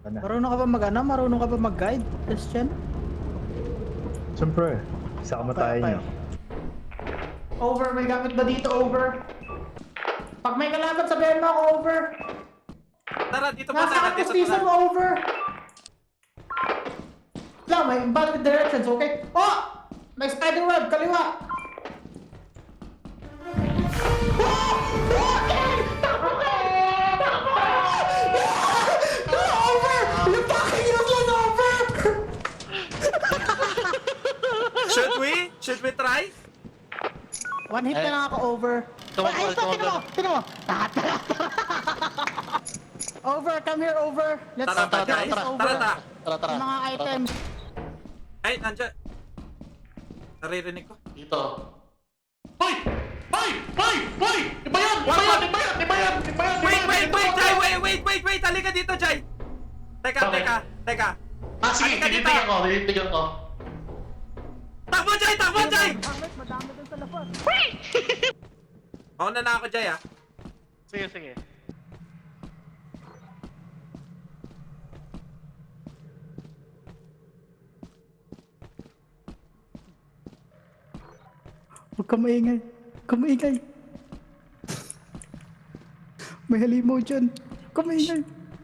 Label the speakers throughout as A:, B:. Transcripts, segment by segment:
A: Ano?
B: Marunong ka ba mag-ano? Marunong ka ba mag-guide, Christian?
A: Siyempre, isa kamatayan
B: Okay,
A: niyo.
B: Over, may gamit ba dito, over? Pag may kalaban, sabihin mo ako, over.
C: Tara, dito pa
B: Nasa
C: tayo.
B: akin
C: Dito
B: season
C: pa
B: mo, over. Lang, may invalid directions, okay? Oh! May spider web, kaliwa! Okay! Takbo ka! Takbo! Over! Yung fucking yun, over!
C: Should we try?
B: One hit na lang ako, over. Ay, ito, tinan mo! Over, come here, over. Let's
C: Tara,
B: get
C: tara,
B: this
C: tara,
B: over.
C: tara, tara.
B: Yung mga items.
C: Ay, nandiyan. Naririnig ko.
D: Dito. Hoy! Hoy! Hoy! Hoy! Iba yan! Iba yan! Iba yan! Iba yan! Iba yan!
C: Wait! Halika dito, Jai! Teka.
D: Ah, sige,
C: Halika dito.
D: tinitigyan ko.
C: Takbo, Jai!
B: Madami dun sa labas.
C: Mauna na ako, Jai, ah.
D: Sige.
B: Huwag ka maingay. Huwag ka maingay. May halimaw dyan. Huwag ka maingay.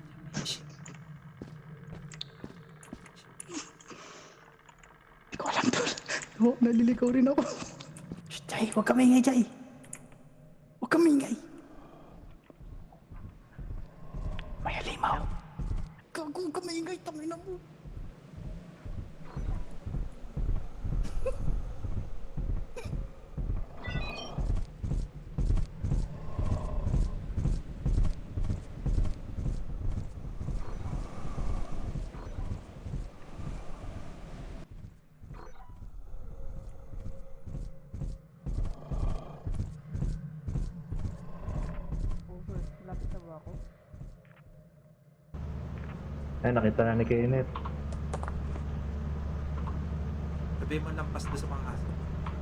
B: Hindi ko alam to. Oh, naliligaw rin ako. Shh, Jai, huwag ka maingay, Jai. Huwag ka maingay. May halimaw. Huwag ka maingay, tangina mo. Lapit na ba ako?
A: Ay, nakita na ni Kenneth.
C: Sabihin mo lampas doon sa mga aso.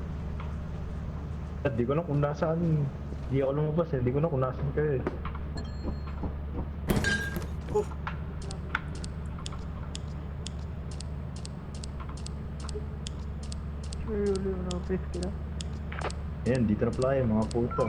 A: At di ko na kung nasaan. Di ako lumabas eh. Di ko na kung nasaan kayo eh.
C: Oh,
B: Ulo na, please kila.
A: Ayan, dito na pala yung mga puto.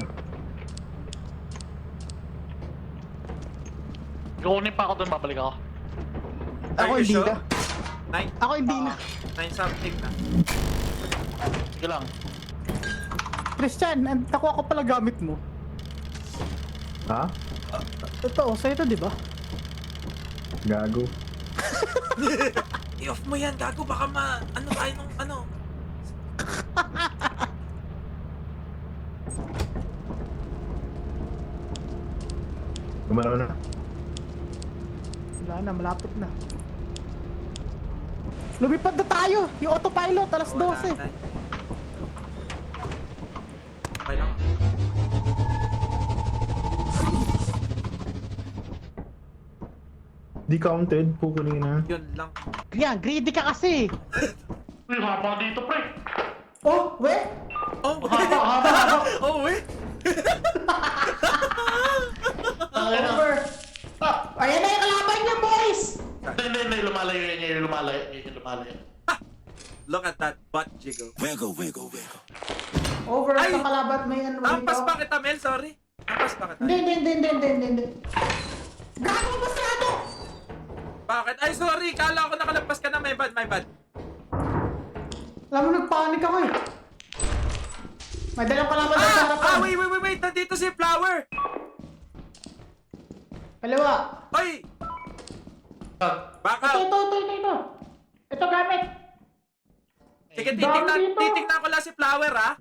D: Kukunin pa ako doon, babalik ako.
B: Ako
C: are you
B: hindi
C: sure?
B: na.
C: Nine?
B: Ako hindi na.
C: 9 something na.
D: Sige lang.
B: Christian, nakuha ko pala gamit mo.
A: Ha?
B: Ito, sa'yo ito, di ba?
A: Gago.
C: I-off mo yan, gago. Baka ano tayo nung ano.
A: Gumalaw na.
B: Wala na, malapit na. Lumipad na tayo! Yung autopilot, alas 12.
C: Okay lang.
A: Di counted. Kukunin na.
C: Yun lang.
B: Yan, greedy ka kasi!
D: Uy, haba dito, pre.
B: Oh, we?
C: Oh,
D: Haba.
C: oh, wait.
B: Over! Ayan na yung kalaban niya, boys!
D: Hindi, lumalayo.
C: Look at that butt jiggle.
E: Wiggle.
B: Over,
C: Ay!
B: sa kalaban may ano
C: Ampas pa kita, Mel. Sorry. Ampas pa kita.
B: Hindi. Gago masyado!
C: Bakit? Ay, sorry. Kala ko nakalampas ka na. My bad.
B: Alam mo, nagpanik ako eh. May dalang kalaban sa harapan.
C: Wait. Nandito si Flower.
B: Kaliwa.
C: Oy! Baka.
B: Ito. Ito gamit.
C: Sige,
B: Dami dito.
C: titignan ko lang si Flower, ha?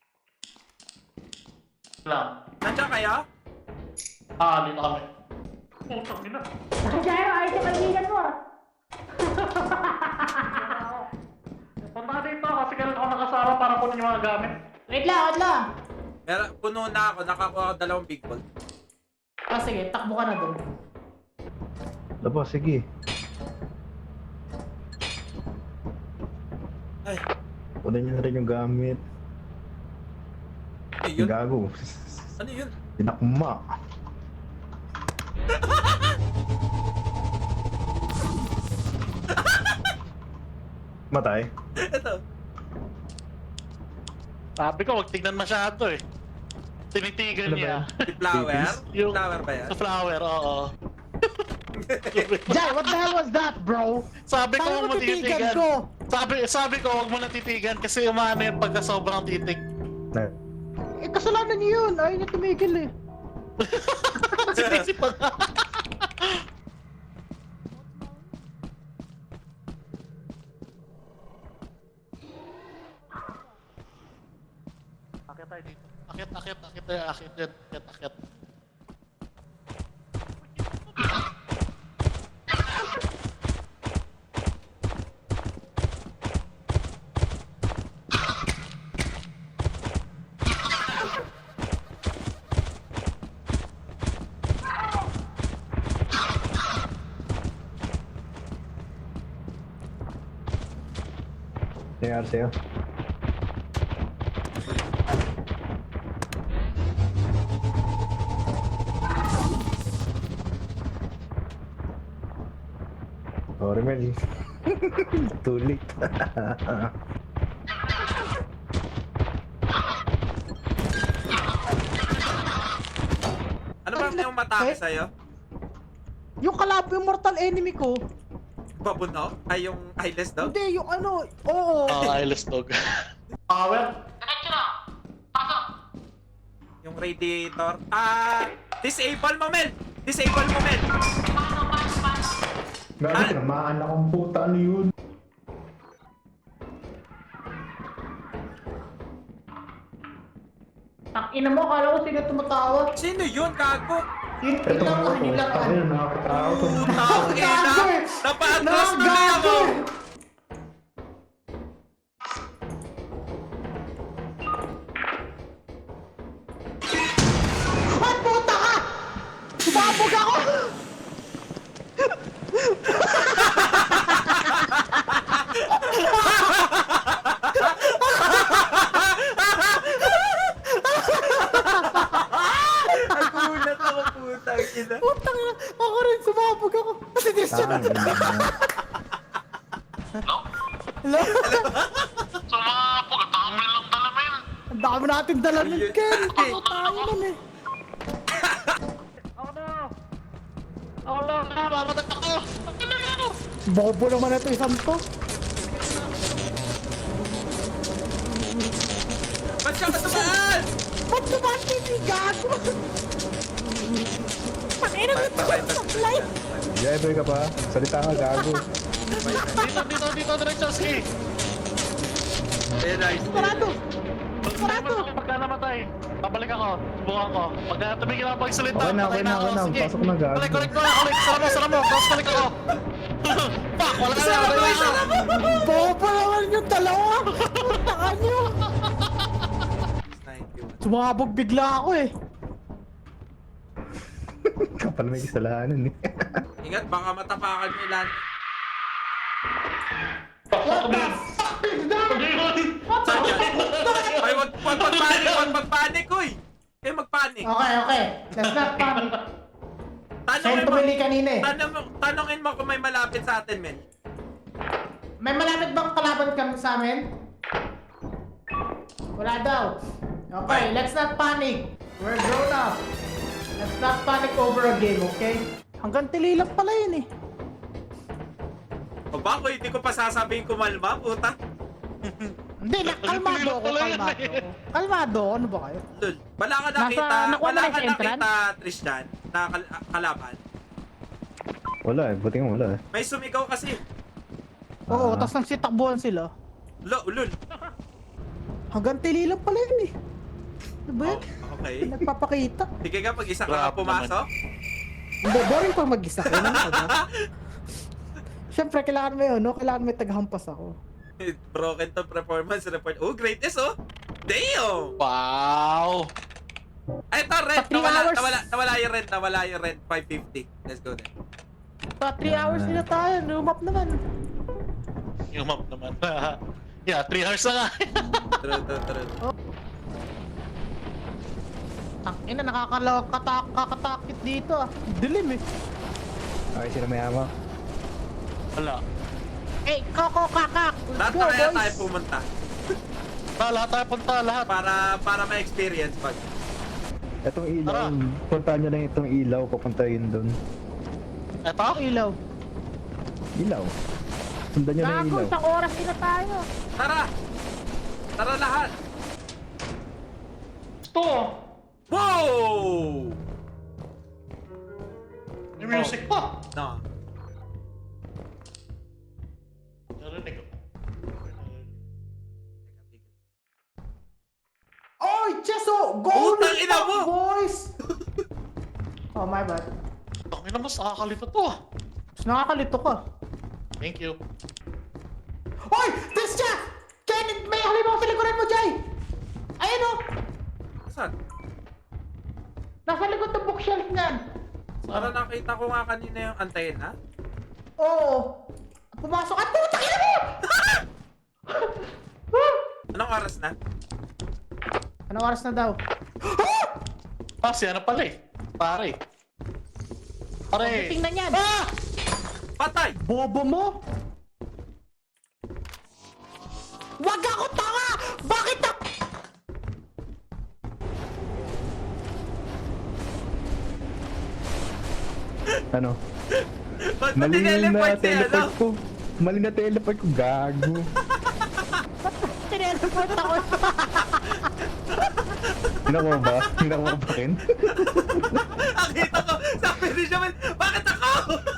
D: Lang.
C: Nandiyan kayo?
D: Dito kami. Putang ina.
B: Jero, ayos yung kaibigan mo ah.
D: Punta ka dito kasi kailan ako nakasama para kunin yung mga gamit.
B: Wait lang.
C: Meron, puno na ako. Nakakuha ako 2 big ball.
B: Ah, sige, takbo ka na doon.
A: Labas, sige.
C: Ay,
A: Kunin niyo na rin yung gamit.
C: ano yun?
A: Gago.
C: Ano yun?
A: Tinakma. Matay.
C: Ito.
D: Sabi ko, huwag tignan masyado eh. Tinitigan
A: Ano ba
D: niya.
C: Si Flower?
D: Yung-
C: Flower ba yan?
D: Sa flower, oo.
B: Jai, what the hell was that, bro?
D: Sabi ko,
B: Paano
D: huwag mo
B: mo titigan
D: titigan.
B: ko?
D: Sabi ko, huwag mo na titigan kasi umano yun pagka sobrang titik.
A: Na.
B: Eh, kasalanan niyo yun. Ayaw niya tumigil eh.
D: Sinisip pa nga. Akit tayo dito. Akit yan.
A: Nangyari sa'yo. Sorry, Mel. Too late.
C: Ano ba yung matake
B: Eh?
C: sa'yo?
B: Yung yung mortal enemy ko.
C: Babuno? Ay, yung eyeless dog?
B: Hindi, yung ano. Oo.
D: Eyeless dog. Power?
C: Yung radiator? Disable mo, Mel! Disable mo, Mel!
A: Grabe, tinamaan akong puta. Ano yun?
B: Ang ina mo, kala ko sino tumatawa.
C: Sino yun, gago?
B: Yun,
A: Ito
B: tingnan mo,
A: nga
B: yun lang.
A: ako. Ano yun, nakakatakot.
C: Putang ina!
B: Gago!
C: Napa-atras tuloy ako!
B: Gago! Ay, puta ka! Sumabog ako!
C: Nagulat ako, putang ina.
B: Putang ina, ako rin sumabog ako. Kasi di siya na. Hello?
D: Sumapog, ang dami lang dalamin.
B: Ang dami natin dala ng
C: Ayun.
B: Ken. Ako tayo nun eh.
D: Ako lang, mamatag ako.
B: Bobo naman na ito isang to.
C: Ba't siya katamaan?
B: Ba't naman hindi gago? Pakina mo ito
C: Patay,
B: sa
C: patay,
B: live.
A: Driver ka pa? Salita ka, gago.
D: Dito, Diretsoski.
C: Eh, nice.
B: Sarado! Sarado!
D: Pagka namatay, babalik ako, subukan ko. Pagka tumigil ako pagsalita,
A: Okay na,
D: patay
A: okay na,
D: ako.
A: okay na.
D: Sige.
A: Pasok na, gago.
D: Balik, sara mo, cross balik ako. Fuck, wala ka na.
B: Bobo naman yung dalawa! Taka nyo!
C: 91.
B: Sumabog bigla ako eh.
A: Kapal may kasalanan eh.
C: Ingat, baka matapakan mo ilan. Saan yan? Ay, wag magpanik, uy! Kayo magpanik.
B: Okay. Let's not panic. Saan
C: Tanongin mo,
B: tumili kanina eh?
C: tanongin mo kung may malapit sa atin, men.
B: May malapit bang kalaban kami sa amin? Wala daw. Okay, let's not panic. We're grown up. Let's not panic over a game, okay? Hanggang tili lang pala yun eh.
C: O ba, kung hindi ko pa sasabihin kumalma, puta.
B: Hindi, kalmado ako, kalmado. Kalmado, ano ba kayo?
C: Lul, wala ka
B: Nasa-
C: nakita,
B: nakuha
C: wala
B: mo na
C: ka
B: sa entrance?
C: nakita, Tristan, na kalaban.
A: Wala eh, buti nga wala eh.
C: May sumigaw kasi.
B: Oo, tapos nang sitakbuhan sila.
C: Lul.
B: Hanggang tili lang pala yun eh. Ano ba yun?
C: Oh, okay.
B: Nagpapakita.
C: Sige ka, pag isa ka
D: Grabe
C: pumasok.
B: Hindi, boring pang mag-isa ko. Siyempre, kailangan mo yun, no? Kailangan may tagahampas ako.
C: Broken to performance report. Oh, greatness, oh. Damn!
D: Wow!
C: Ay, ito, rent.
B: Pa 3 hours.
C: Nawala yung rent. 550. Let's go then.
B: Pa 3 hours nila tayo, lumap naman.
D: Yung map naman. Yeah, 3 hours na nga.
C: True.
B: Tangina, nakakatakit dito ah. Dilim eh.
A: Okay, sino may ama?
D: Wala.
B: Hey, koko kakak! Let's
C: Lahat
B: go,
C: na kaya
B: boys!
C: tayo pumunta.
D: Lahat tayo punta, lahat.
C: Para ma-experience pag.
A: Itong ilaw,
D: Tara.
A: puntahan nyo lang itong ilaw, papunta yun doon.
D: Eto?
B: Ilaw.
A: Ilaw. Sundan nyo na yung
B: Gago,
A: ilaw.
B: isang oras na tayo.
C: Tara! Tara lahat!
D: Ito!
C: Wow!
D: May music pa!
C: No.
D: Narinig ko.
B: Oy, Cheso! Go
C: Putang ina mo!
B: boys! Oh, my bad.
D: Tangina mas nakakalito to ah.
B: Nakakalito ka.
D: Thank you.
B: Oy! This siya! Kenneth, may halimaw sa likuran mo, Jay! Ayun o!
C: Saan?
B: Nasa likod ng bookshelf niyan.
C: Para nakita ko nga kanina yung antena.
B: Oo. Pumasok at puta ina mo!
C: Anong oras na?
B: Anong oras na daw?
D: Ah, si ano pala eh. Pare. Pare.
B: Tingnan yan.
D: Ah!
C: Patay!
B: Bobo mo? Wag ako tanga! Bakit ako?
A: Ano?
C: Ba't ba
A: Mali na
C: tineleport si ano?
A: teleport ko. Mali na teleport ko, gago.
B: Tineleport ako.
A: Hinakuha mo ba? Hinakuha mo ba kin?
C: Nakita ko! Sabi ni Jamal, bakit ako?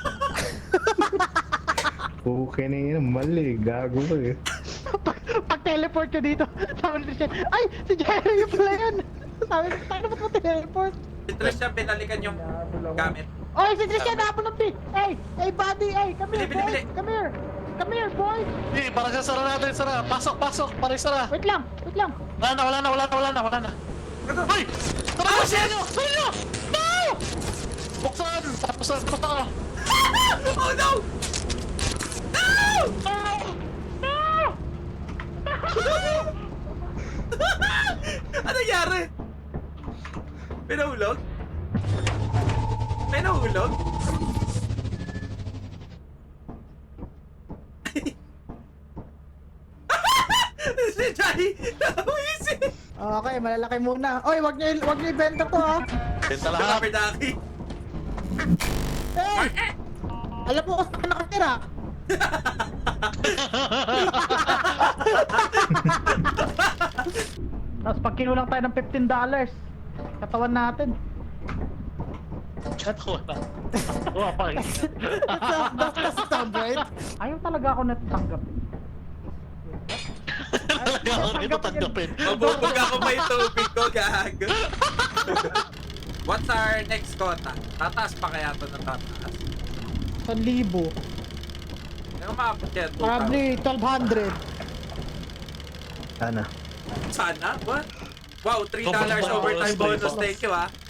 A: Okay na yun, mali. Gago ko eh.
B: Pag teleport ka dito, sabi ni Christian, ay, si Jerry yung pala yan. Sabi ni Christian, ba't mo teleport?
C: Interest siya binalikan yung gamit.
B: Oy, si Christian, napon ng pi. Hey, hey, buddy, hey, come here,
C: Bili,
B: boy.
C: bili.
B: Come here. Come here, boy.
D: Eh, parang sasara natin, sara. Pasok, pasok. Pare, sara.
B: Wait lang, wait lang.
D: Wala na. Hoy! Tara
C: Oh,
D: na,
C: shit!
D: sa inyo! No! Buksan! Tapos basta ka.
C: Oh no! No! Ano nangyari? May nahulog? May nahulog? Si Jai! Nawisip!
B: Okay, malalaki muna. Oy, wag niyo ibenta to, ha.
D: Benta lahat.
C: Happy Ducky!
B: Hey! Alam mo kung saan nakatira? Tapos pag kinulang tayo ng $15, katawan natin.
D: Wala. Wala pa rin.
B: That's the sound, right? Ayaw talaga ako natatanggap.
D: Talaga ako nito tanggapin.
C: Mabubog ako pa yung tubig ko, gago. What's our next quota? Tataas pa kaya ito ng tataas?
B: 1,000.
C: Ano maabot yan? 2,000?
B: Probably 1,200.
A: Sana.
C: Sana? What? Wow, $3
D: Sobrang
C: overtime
D: bonus,
C: bonus.
D: bonus.
C: Thank you, ah.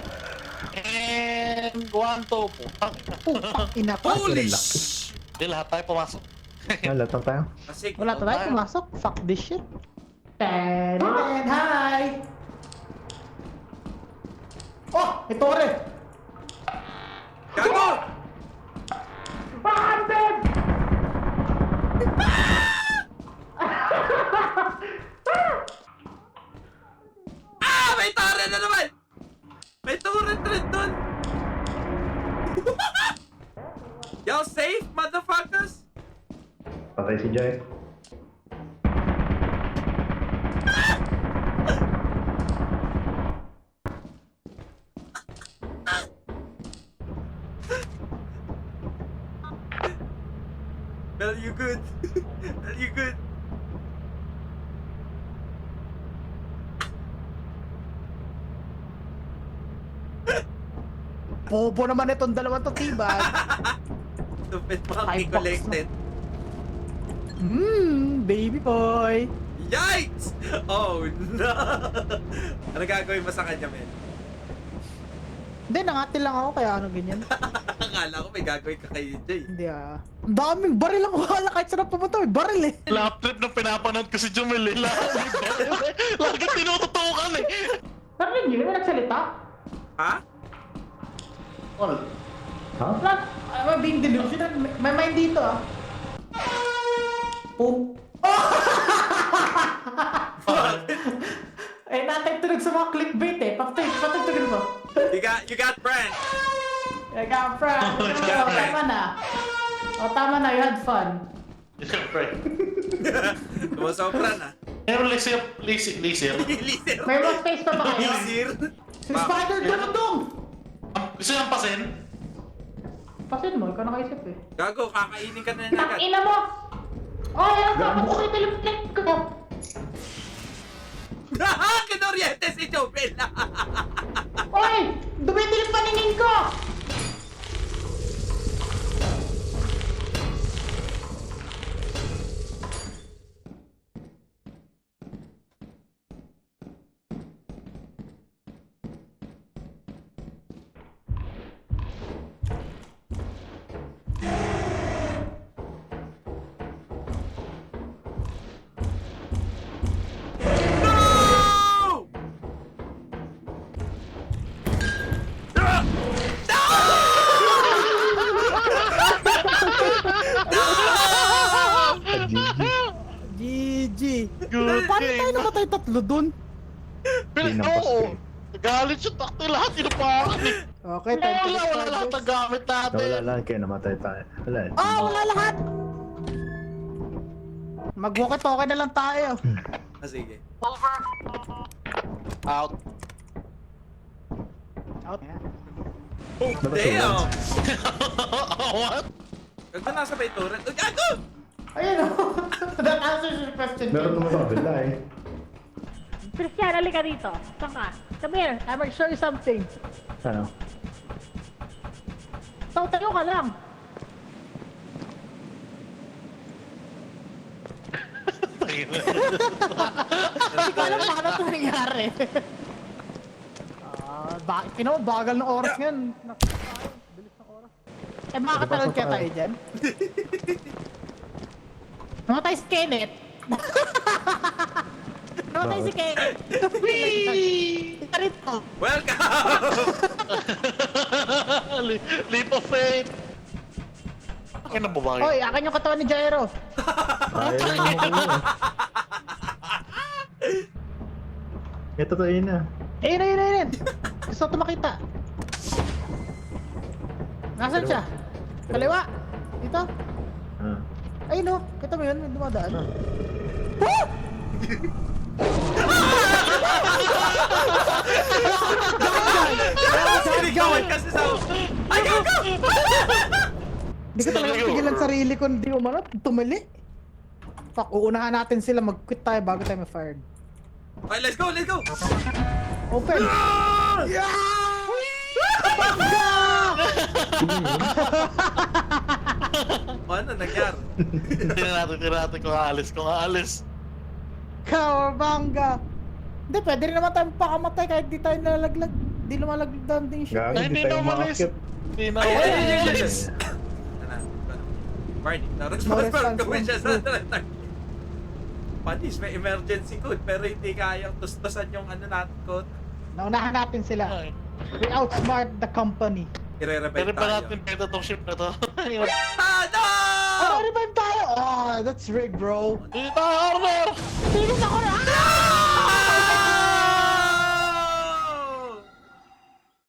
D: And one to po.
B: Putang ina pa.
C: Holy
A: Relax.
C: sh!
D: Di lahat tayo pumasok.
A: Wala tayo.
C: Kasi,
B: Wala tayo pumasok. Fuck this shit. Ten, hi! Oh! Ito rin!
C: gago!
B: Bakit?
C: Ah! May turret na naman! May turret rin dun! Y'all safe, motherfuckers?
A: Patay si Jai.
C: Well, you good. Well, you good.
B: Bobo naman itong dalawang to, tibag.
C: Stupid monkey
B: Five bucks
C: collected.
B: Baby boy.
C: Yikes! Oh no! Ano gagawin mo sa kanya, men?
B: Hindi, nangati lang ako kaya ano ganyan.
C: Akala ko may gagawin ka kay Jay.
B: Hindi ah. Ang daming baril ang wala kahit saan pumunta. May baril eh.
D: Lap trip na pinapanood ko si Jumel eh. Lagi tinututukan eh.
B: Narinig niyo, may nagsalita?
C: Ha?
D: All.
A: Ha?
B: Like, I'm being delusional. May mind dito ah. Poop. Eh, natin tunog sa mga clickbait eh. Patugtugin mo.
C: You got friend.
B: I got friend. Oh, tama na. Oh, tama na. You had fun.
D: Siyempre.
C: Sumasobra na.
D: Pero lisir.
C: Liser.
B: May workspace pa ba kayo?
C: Liser.
B: Si Spider, dong!
D: Gusto niyang pasin?
B: Pasin mo, ikaw nakaisip eh.
C: Gago, kakainin ka na agad.
B: Tangina mo! Oh, yan pa! Patuloy teleplate ko!
C: Kinoriente si Jobel.
B: Oy! Dumidilim paningin ko!
C: No!
B: GG!
D: Good
B: Paano tayo namatay tatlo dun?
A: Hindi na
D: Oo.
A: pasko.
D: Galit siya takto lahat. Inupakan eh.
B: Okay, time to
D: Wala lahat ng gamit natin.
A: Nawala lang kaya namatay tayo. Wala.
B: Ah, wala lahat! Mag-walkie-talkie na lang tayo.
C: Sige.
D: Out.
B: Out.
C: Oh, damn!
D: What?
C: Gago nasa may turret. Oh, gago!
B: Ayun o. That answers your question.
A: Meron naman sa kabila eh.
E: Christian, halika dito. Saan ka? Come here, I will show you something.
A: Ano?
E: Tayo ka lang.
B: Hindi ko alam paano ito nangyari. Bagal ng oras ngayon. Bilis ng oras. Eh, makakatalon kaya tayo dyan? Namatay si Kenneth. Namatay si Kenneth. Ika rito.
C: Welcome!
D: Leap of faith. Akin na babae.
B: Hoy, akin yung katawan ni Jairo.
A: Ayaw na mo ko. Ito to yun na.
B: Ayun. Gusto ko makita. Nasaan siya? Kaliwa. Dito.
A: Ah.
B: Ayun o. Kita mo yun? May dumadaan.
C: Sinigawan kasi sa... Ay, gago!
B: Hindi ko talaga pigilan sarili ko. Hindi umanap. Tumali. Fuck, uunahan natin sila. Mag-quit tayo bago tayo ma-fired.
C: Okay, let's go!
B: Open!
C: Ano nangyari?
D: Tingnan natin kung aalis.
B: Cowabunga! Hindi, pwede rin naman tayo pakamatay kahit di tayo nalalaglag. Di lumalaglag down din siya.
A: Gagi,
D: Ay,
A: hindi
D: hindi
A: tayo
D: na umalis.
A: makakit.
D: Hindi na
C: Ay,
D: umalis.
C: Warning,
B: No
C: na-response
B: response
C: gawin siya sa
B: from
C: target. Panis, may emergency code pero hindi kayang tustusan yung ano natin code.
B: Naunahan natin sila.
D: Ay,
B: We outsmart the company.
C: I-revive
D: Pwede pa
C: tayo.
D: natin beta tong ship na to.
C: Ah, no!
B: Oh, revive tayo! Oh, that's rigged, bro.
D: Dito, Armor!
B: Pinis ako na!
C: No!